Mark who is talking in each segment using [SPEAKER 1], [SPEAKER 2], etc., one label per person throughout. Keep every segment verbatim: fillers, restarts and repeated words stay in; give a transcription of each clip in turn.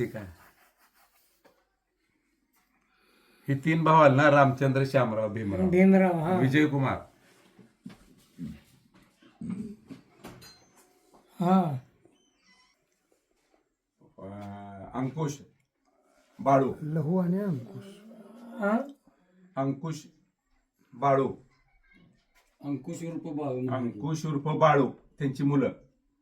[SPEAKER 1] ठीक आहे. हे तीन भाऊ आले ना, रामचंद्र, श्यामराव, भीमराव.
[SPEAKER 2] भीमराव हा
[SPEAKER 1] विजय कुमार.
[SPEAKER 2] हा
[SPEAKER 1] अं, अंकुश बाळू.
[SPEAKER 3] लहू आणि अंकुश.
[SPEAKER 2] हा
[SPEAKER 1] अंकुश बाळू.
[SPEAKER 4] अंकुश उर्फ बाळू.
[SPEAKER 1] अंकुश उर्फ बाळू. त्यांची मुलं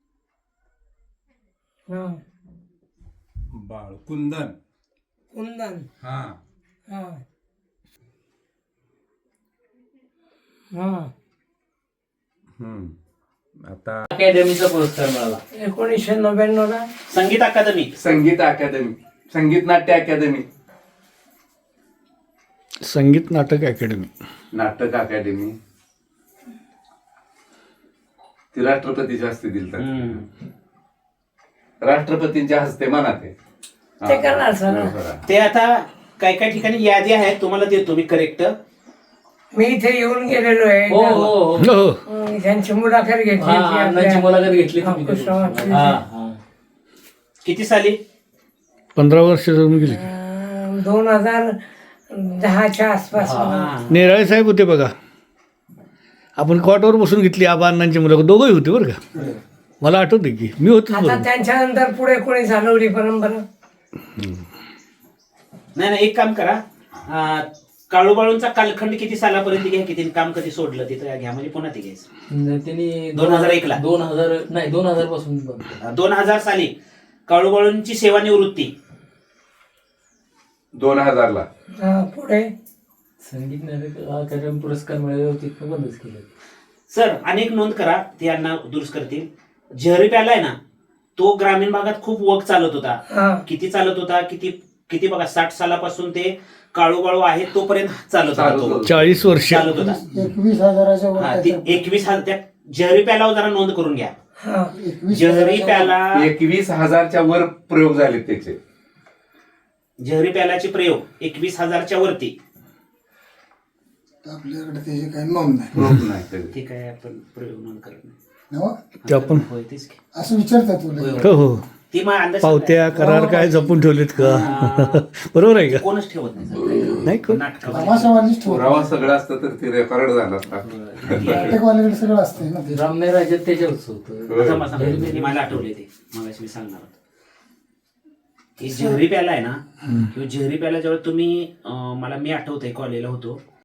[SPEAKER 2] हा
[SPEAKER 1] बाळू. कुंदन.
[SPEAKER 2] कुंदन
[SPEAKER 1] हा
[SPEAKER 2] हा हा
[SPEAKER 1] हम्म. आता
[SPEAKER 4] अकॅडमीचा पुरस्कार मिळाला
[SPEAKER 2] एकोणीसशे नव्याण्णव ला
[SPEAKER 5] संगीत अकादमी.
[SPEAKER 1] संगीत अकादमी. संगीत नाट्य अकादमी.
[SPEAKER 3] संगीत नाटक अकॅडमी.
[SPEAKER 1] नाटक अकादमी. ती राष्ट्रपतीच्या हस्ते दिलतात. राष्ट्रपतींच्या हस्ते म्हणा ते.
[SPEAKER 2] ते करणार सर.
[SPEAKER 1] बरोबर.
[SPEAKER 5] ते आता काय काय ठिकाणी यादी आहेत, तुम्हाला देतो मी करेक्ट.
[SPEAKER 2] मी इथे येऊन गेलेलो आहे
[SPEAKER 4] हो हो हो
[SPEAKER 3] हो
[SPEAKER 2] अं, त्यांची मुलाखत घेतली
[SPEAKER 4] हा,
[SPEAKER 2] होती
[SPEAKER 4] अण्णांची
[SPEAKER 2] आपल्या-
[SPEAKER 4] मुलाखत घेतली तुम्ही.
[SPEAKER 2] अंकुशरावांची.
[SPEAKER 4] हा, हा.
[SPEAKER 5] किती साली?
[SPEAKER 3] पंधरा वर्ष जमून गेली.
[SPEAKER 2] अं, दोन हजार दहाच्या आसपास
[SPEAKER 5] हा.
[SPEAKER 3] नेराळे साहेब होते बघा. आपण कॉटवर बसून घेतली आबा अण्णांची मुलं दोघंही होते बरं का. मला आठवते की मी होतोच
[SPEAKER 2] आता
[SPEAKER 3] बरोबर.
[SPEAKER 2] त्यांच्यानंतर पुढे कोणी चालवली परंपरा?
[SPEAKER 5] नाही नाही, एक काम करा. अं, काळूबाळूंचा कालखंड किती सालापर्यंत घ्या, किती काम कधी सोडलं तिथं घ्या, म्हणजे पुन्हा ते घ्यायचं.
[SPEAKER 4] त्यांनी
[SPEAKER 5] दोन हजार एक ला.
[SPEAKER 4] दोन हजार नाही दोन हजार पासून बंद.
[SPEAKER 5] दोन हजार साली काळूबाळूंची सेवानिवृत्ती.
[SPEAKER 1] दोन हजार ला.
[SPEAKER 2] हा, पुढे
[SPEAKER 4] संगीत नाटक अकॅडमी पुरस्कार मिळाल्यावर तिथं बंदच केलं.
[SPEAKER 5] सर अनेक नोंद करा, ते यांना दुरुस्त करतील. जहरी प्याला आहे ना, तो ग्रामीण भागात खूप वक चालत होता.
[SPEAKER 2] हा
[SPEAKER 5] किती चालत होता, किती किती बघा, साठ सालापासून ते काळूबाळू आहे तोपर्यंत चालत होता
[SPEAKER 1] चालत
[SPEAKER 5] तो.
[SPEAKER 1] होता.
[SPEAKER 3] चाळीस वर्ष
[SPEAKER 5] चालत होता.
[SPEAKER 3] एकवीस हजाराच्या
[SPEAKER 5] हा, ते एकवीस हजार त्या जहरी प्यालावर जरा नोंद करून घ्या.
[SPEAKER 2] हा
[SPEAKER 5] जहरी प्याला
[SPEAKER 1] एकवीस हजारच्या वर प्रयोग झाले त्याचे.
[SPEAKER 5] जहरी प्यालाचे प्रयोग एकवीस हजारच्या वरती.
[SPEAKER 3] आपल्याकडे त्याची काही नोंद नाही.
[SPEAKER 1] प्रयोग नाही कधी.
[SPEAKER 5] ठीक आहे, आपण प्रयोग नोंद करत नाही.
[SPEAKER 3] ते आपण
[SPEAKER 5] होय, तेच की.
[SPEAKER 3] असं विचारतात
[SPEAKER 5] होय, होय.
[SPEAKER 3] हो हो
[SPEAKER 5] ती मग अंदाज
[SPEAKER 3] पावत्या करार काय जपून ठेवलेत का? बरोबर आहे का?
[SPEAKER 5] कोणच ठेवत नाही सर.
[SPEAKER 3] नाही कोण.
[SPEAKER 5] नाटकामध्ये
[SPEAKER 1] पुरावा सगळं असतं तर ते रेकॉर्ड झाला असता.
[SPEAKER 3] सगळं असतंय ना.
[SPEAKER 4] रामने राज्यात त्याच्यावरच होतं.
[SPEAKER 5] आता मला सांगा, मला आठवले ते मगाशी मी सांगणार होतो. हे जहरी प्याला आहे ना, किंवा जहरी प्याला जेव्हा तुम्ही अं, मला मी आठवतंय कॉलेजला होतो